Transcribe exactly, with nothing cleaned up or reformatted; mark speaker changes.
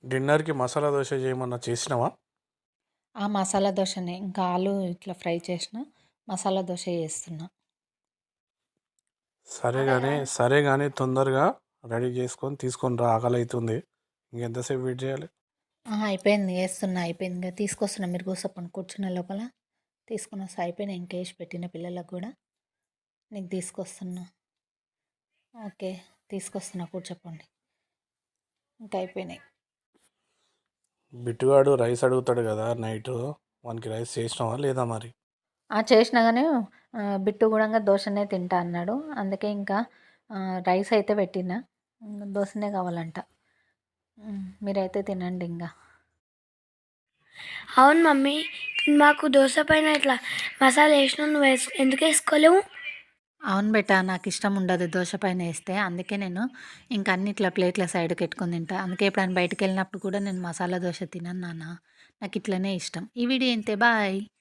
Speaker 1: డిన్నర్‌కి మసాలా దోస చేయమన్నా చేసినావా?
Speaker 2: ఆ మసాలా దోసనే. ఇంకా ఆలు ఇట్లా ఫ్రై చేసిన, మసాలా దోస చేస్తున్నా.
Speaker 1: సరే గాని, సరే గాని తొందరగా రెడీ చేసుకొని తీసుకొని రా ఆకలైతుంది. ఇంకెంతసేపు వెయిట్ చేయాలి?
Speaker 2: ఆ! అయిపోయింది. ఏస్తున్నా అయిపోయింది. ఇగ తీసుకొస్తున్నా. మీరు కూసోపండి. కూర్చునే లోపల తీసుకొనొస్తా. అయిపోయినాయి. ఇంక ఏసి పెట్టిన పిల్లలకు గూడా. నీకు తీసుకొస్తున్నా. ఓకే. తీసుకొస్తున్నా కూర్చోపండి. ఇంక అయిపోయినాయి.
Speaker 1: బిట్టుగాడు రైస్ అడుగుతాడు కదా నైటు. వానికి రైస్ చేసినావా లేదా మరి?
Speaker 2: ఆ! చేసినా గానీ ఆహ్, బిట్టు గూడంగా దోసనే తింటా అన్నాడు. అందుకే ఇంకా ఆహ్, రైస్ అయితే పెట్టినా. ఇంగ దోసనే కావాలంట. హ్మ్. మీరైతే తినండి ఇంగ.
Speaker 3: అవును మమ్మీ, మాకు దోస పైన ఇట్లా మసాలా వేసినావు, నువ్వు వేస్ ఎందుకు వేసుకోలేవు?
Speaker 2: అవును బేటా, నాకిష్టం ఉండదు దోస పైన ఏస్తే. అందుకే నేను ఇంక అన్ని ఇట్లా ప్లేట్‌ల సైడ్‌కి ఎట్టుకొని తింటా. అందుకే ఎప్పుడైనా బయటికెళ్ళినప్పుడు కూడా నేను మసాలా దోస తినను నాన్న. నాకిట్లనే ఇష్టం. ఈ వీడియో ఇంతే. బాయ్.